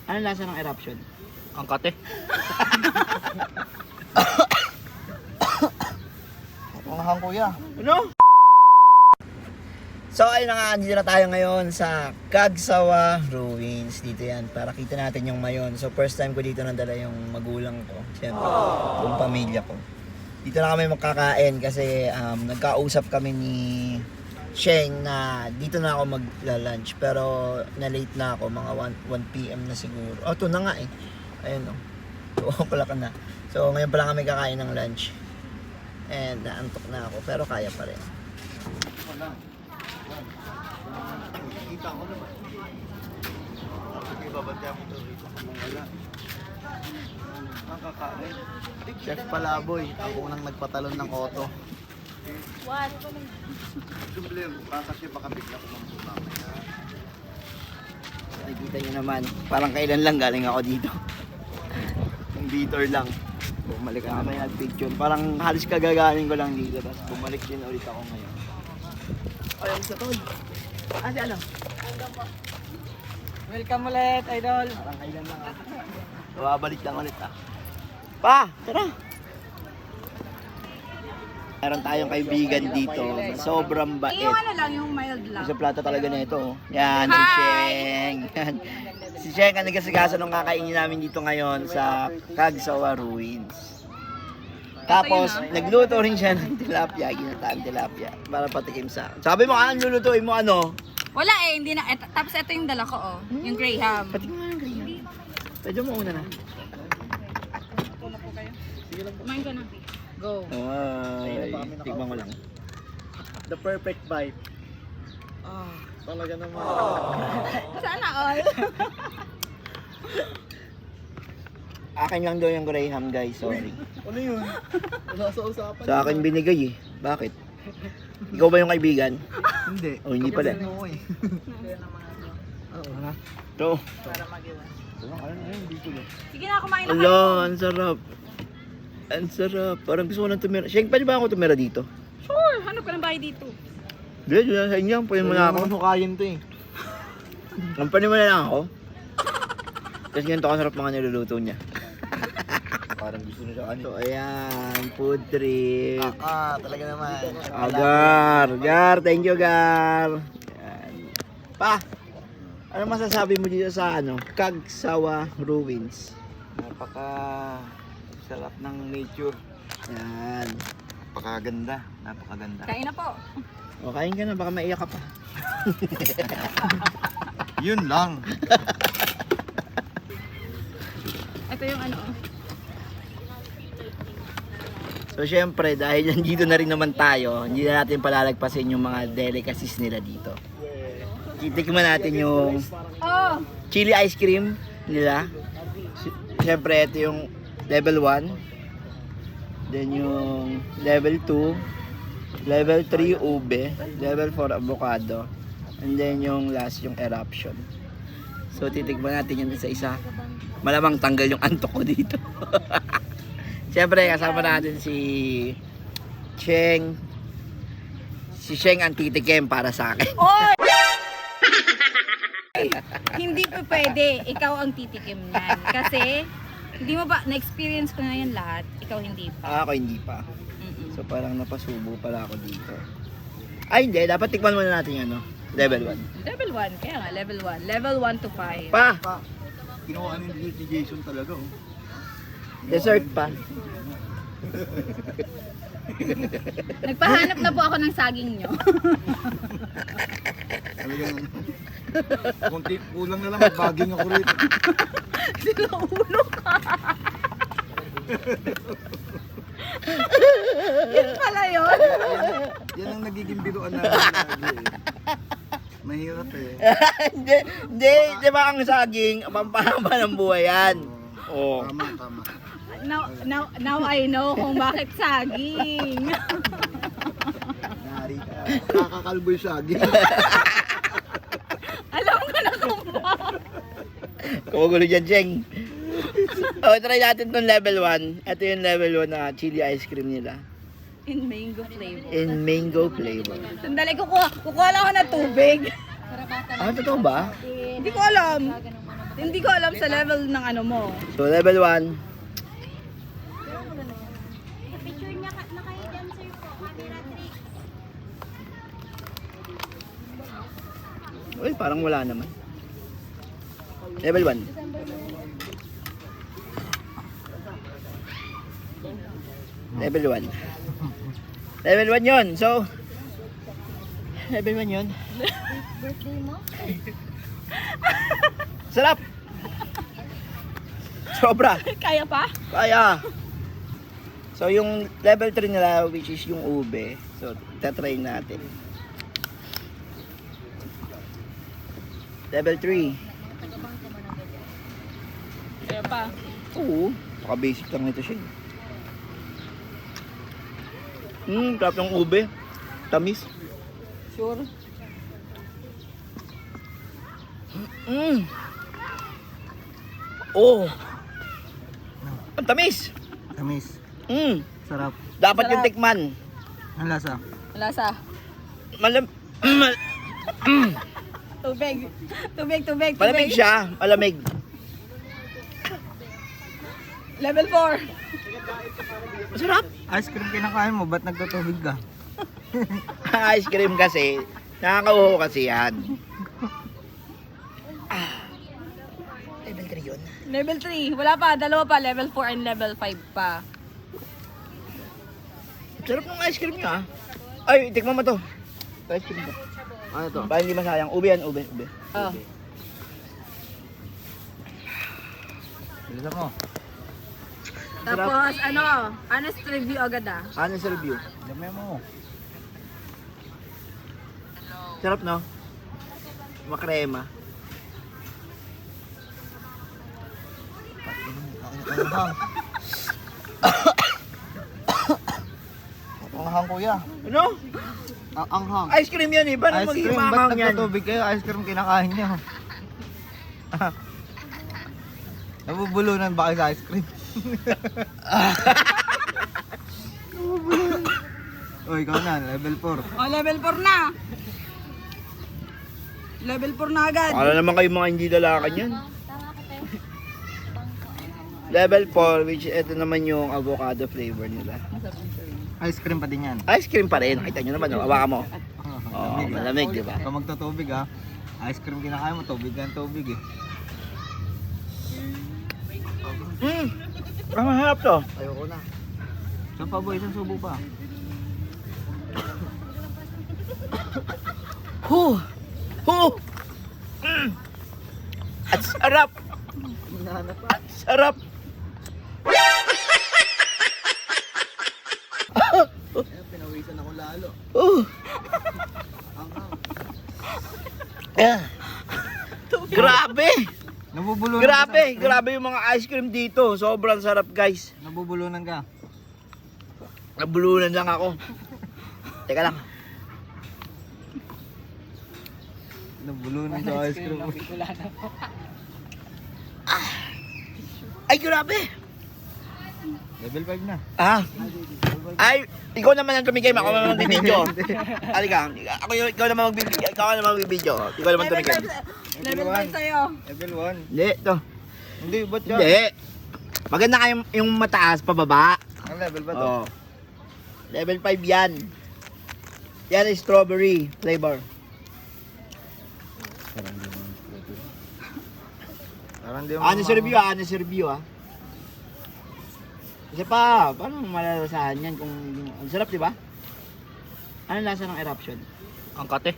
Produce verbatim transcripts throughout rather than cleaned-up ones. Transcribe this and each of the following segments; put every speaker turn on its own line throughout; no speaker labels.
Ano lasa ng eruption?
Ang kate.
Ang hang kuya. Ano? So ayun na nga, andito na tayo ngayon sa Cagsawa Ruins. Dito yan, para kita natin yung mayon. So first time ko dito nandala yung magulang ko. Siyempre, yung pamilya ko. Dito na kami magkakain kasi um, nagkausap kami ni Sheng na dito na ako magla-lunch. Pero na-late na ako, mga one p m na siguro. Oh, ito na nga eh. Ayun o. Oh. pala ka na. So ngayon pala kami kakain ng lunch. And naantok na ako, pero kaya pa rin. Wala. Kita ko naman. Bakit ibabantay ako ito rito kung wala? Ang kakain. Chef Palaboy, ako nang nagpatalon ng koto.
What?
Simple, baka siya baka bigla ko mamaya. Nakikita niyo naman, parang kailan lang galing ako dito. Yung Vitor lang. Bumalik ka naman yung picture. Parang halos kagagaling ko lang dito. Tapos bumalik din ulit ako ngayon. Ay, ang sa tol. Ah, si ano?
Welcome ulit, idol.
Parang kailan lang ah. Babalik lang ulit ah. Pa, tara. Meron tayong kaibigan dito na sobrang bait.
Yung ano lang, yung mild lang.
Sa plato talaga na ito. Oh. Yan, si Sheng. Yan. Si Sheng ang nagkasikaso nung kakainin namin dito ngayon sa Cagsawa Ruins. Tapos, nagluto rin siya ng tilapia, ginataang tilapia, para patikim sa... Sabi mo, anong lulutuin mo, ano?
Wala eh, hindi na. Et, tapos ito yung dala ko, oh. Yung Graham.
Patikim mo ng Graham. Pwede mo una na.
Kumain ka na. Go.
Ay, tignan ko lang.
The perfect bite. Ah, talaga naman.
Sana all.
Akin lang daw yung Graham, guys. Sorry.
Ano yun? Wala sa usapan.
Sa akin binigay eh. Bakit? Ikaw ba yung kaibigan?
Hindi.
O, hindi pala.
Ano eh. Oo, ha?
Ito.
Para mag-iwan.
Ayun, ayun, dito lang.
Sige na, kumain na
Ala, ang sarap. Ang sarap. Parang gusto ko nang tumira. Sheng, pwede ba ako tumira dito?
Sure, hanap ka ng bahay dito.
Hindi, dyan sa inyo. Pwede mo na ako.
Ano kain to eh.
Kampanya mo na lang ako. Kasi ganito kasarap mga niluluto niya.
Parang gusto nila ano.
So, ayan. Food trip.
Ah, talaga naman.
Ah, Gar. Gar, thank you, Gar. Ayan. Pa, ano masasabi mo dito sa ano? Cagsawa Ruins?
Napaka sarap ng nature.
Ayan.
Napakaganda. Napakaganda.
Kain na po.
O, kain ka na. Baka maiyak ka pa.
Yun lang.
Ito yung ano.
So, syempre, dahil nandito na rin naman tayo, hindi na natin palalagpasin yung mga delicacies nila dito. Titikman natin yung
Oh!
chili ice cream nila. Sy- Syempre, ito yung level one. Then yung level two. Level three, ube. Level four, avocado. And then yung last, yung eruption. So, titikman natin yan isa-isa. Malamang tanggal yung antok ko dito. Syempre, kasama natin si Sheng. Si Sheng ang titikim para sa akin.
Oy! Hindi po pwede. Ikaw ang titikim nan. Kasi, hindi mo ba, na-experience ko na yan lahat. Ikaw hindi pa.
Ah, ako hindi pa.
Mm-mm.
So parang napasubo pala ako dito. Ay hindi, dapat tikman muna natin yung ano, level one.
Level one. Kaya nga, level one. Level one to five.
Pa!
Pa, kinuha ni ni Jason talaga oh.
Dessert pa.
Nagpahanap na po ako ng saging nyo.
Talagang konti kulang na lang baging ako rito.
Sinaulo ka. Yun pala yun.
Yan ang nagiging biruan namin lagi eh. Mahirap eh.
Hindi, hindi, di ba ang saging, pampahaba ng buhay yan. Oh.
Tama, tama.
Now, now, now I know kung bakit saging.
Nari ka. Kakakalbo yung saging.
Alam ko na kung bakit.
Kumugulo dyan, Jeng. Oh, try natin tong level one. Ito yung level one na chili ice cream nila.
In mango flavor.
In mango flavor.
Sandali, kukuha, kukuha lang ako ng tubig.
Ah, totoo ba?
Hindi ko alam. Hindi ko alam sa level ng ano mo.
So level one.
Picture niya ka, nakahidan sir po, camera trick.
Well, parang wala naman. Level one. Level one. Level one yun. So, level one yun.
Birthday mo?
Sarap! Sobra.
Kaya pa?
Kaya. So, yung level three nila, which is yung ube. So, tatry natin. Level three.
Kaya pa.
Oo. Baka-basic lang nito siya. Hmm, sarap ng ube. Tamis.
Sure.
Mm. Oh. Ang tamis.
Tamis.
Mm.
Sarap.
Dapat
Sarap.
yung tikman.
Ang lasa.
Lasa.
Malam
Tubig. Tubig, tubig, tubig.
malamig siya. Malamig.
Level four.
Masarap.
Ice cream kinakain mo, ba't nagtutubig ka?
Ice cream kasi. Nakakauho kasi yan. Ah. Level three yun.
Level three. Wala pa. Dalawa pa. Level four and level five pa.
Sarap ng ice cream niya. ah. Ay, tikman mo to. Ice cream to.
Ano to?
Para hindi masayang. Ube yan, ube, ube.
Oh.
Bilisan mo.
Tapos, ano, honest review agad ah.
Honest review.
Dami mo.
Sarap, no? Makrema.
Anghang. Anghang kuya.
Ano?
Ang anghang.
Ice cream yan eh. Paano
Ice
magiging
cream, ba't
maanghang yan?
nagtutubig kayo? Ice cream kinakain niyo. Nabubulunan ba kayo sa ice cream? Nabubulunan. O, ikaw na, level four.
Oh, level four na. Level four na agad.
Para naman kayo mga hindi lalakan yan.
Tama ko tayo.
Level four, which ito naman yung avocado flavor nila.
Ice cream pa din yan.
Ice cream pa rin. Nakita nyo naman, oh. Hawakan mo. Oh,
Lamig, ah.
malamig, di ba?
Kung magtutubig ha, ice cream kinakain mo, tubig yan, tubig eh.
Hmm. Ang mahirap to.
Ayoko na. Saan pa boy? Isang subo pa.
Huh. Huh. Mm. At sarap.
Hinahanap pa.
At sarap.
Ayan, pinawisan ako lalo.
Uh.
Anghang.
Yeah. Grabe.
Nabubulunan
Grabe.
ka sa ice cream?
Grabe yung mga ice cream dito. Sobrang sarap, guys.
Nabubulunan ka.
Nabulunan lang ako. Teka lang.
Nabulunan sa ice cream.
Ay, grabe.
Level five na.
Ah. Ay, ikaw naman ang tumikim. Ako naman magbibideo. Halika. Ako yung, ikaw naman magbibideo. Ikaw naman magbibideo. Ikaw naman
Level
tumikim.
five. Level five sa'yo.
Level one.
Hindi, to.
Hindi, ba't yan?
Hindi. Maganda kayong yung mataas pababa.
Ang level ba to?
Oh. Level five yan. Yan is strawberry flavor.
Parang di mo
Honest review ah, honest review ah. Kasi pa, paano malalasahan yan kung yung... Ang sarap, di ba? Ano lasa ng eruption?
Ang kate.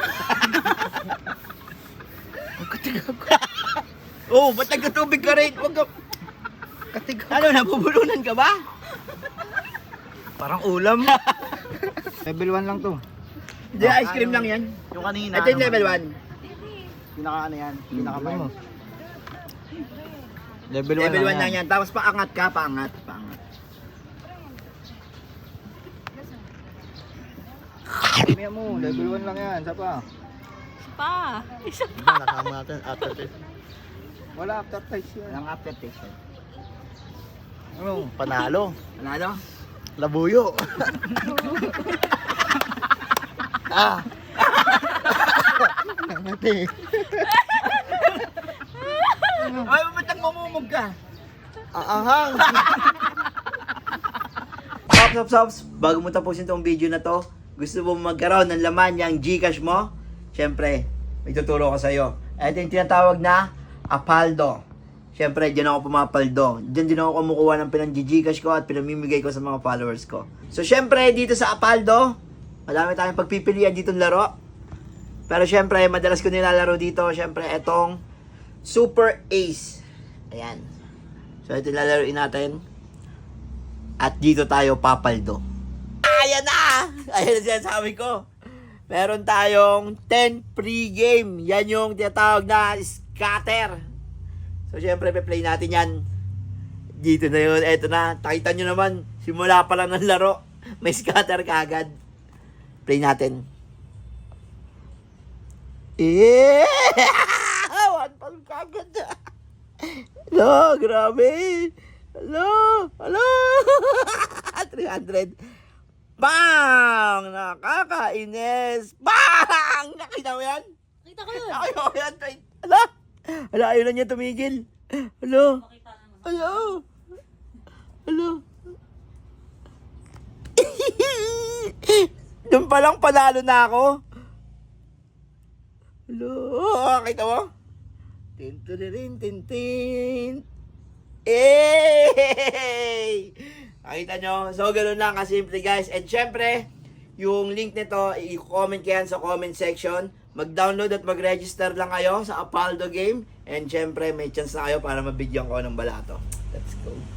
Ang katigaw ko. Oo, oh, ba't nagkatubig ka rin? Huwag ka... Katigaw. Ano, nabubulunan ka ba?
Parang ulam. Level one lang to.
Hindi, ice cream lang yan.
Yung kanina.
Ito yung level one.
Pinaka ano yan? Pinaka mo. Level one
Level one lang yan. Tapos paangat ka, paangat, paangat.
Kaya mo, level one lang yan. Saan pa?
Pa. Isa
Diba, nakama natin after taste. Wala after taste yan.
Walang aftertaste yan.
Ano? Panalo.
Panalo?
Labuyo. ah. Ngati.
mamumog ka. Aahang. Pops, pops, pops. Bago mo tapusin tong video na to, gusto mo magkaroon ng laman yung Gcash mo? Siyempre, may tuturo ko sa'yo. Ito yung tinatawag na Apaldo. Siyempre, dyan ako pumapaldo. Dyan din ako kumukuha ng pinang-Gcash ko at pinamimigay ko sa mga followers ko. So, siyempre, dito sa Apaldo, madami tayong pagpipilian ditong laro. Pero siyempre, madalas ko nilalaro dito, siyempre, etong Super Ace. Ayan. So, ito lalaroin natin. At dito tayo papaldo. Ayan na! Ayan na sinasabi ko. Meron tayong ten free game. Yan yung tinatawag na scatter. So, syempre, pe-play natin yan. Dito na yun. Eto na. Takita nyo naman. Simula pa lang ng laro. May scatter kagad. Play natin. Eh! One palm kagad. Hello, grabe. Hello! Hello! three hundred. Bang! Nakakainis! Bang! Nakita mo yan?
Kita ko yun.
Nakita mo yan? Hala! Hala, ayaw na niya tumigil. Hello! Hello! Hello! Doon pa lang panalo na ako. Hello! Nakita mo? Tin-tin-tin, tin-tin. Eh! Nakita nyo? So, ganoon lang kasimple, guys. And syempre, yung link nito, i-comment ko yan sa comment section. Mag-download at mag-register lang kayo sa Apaldo game. And syempre, may chance na kayo para mabigyan ko ng balato. Let's go.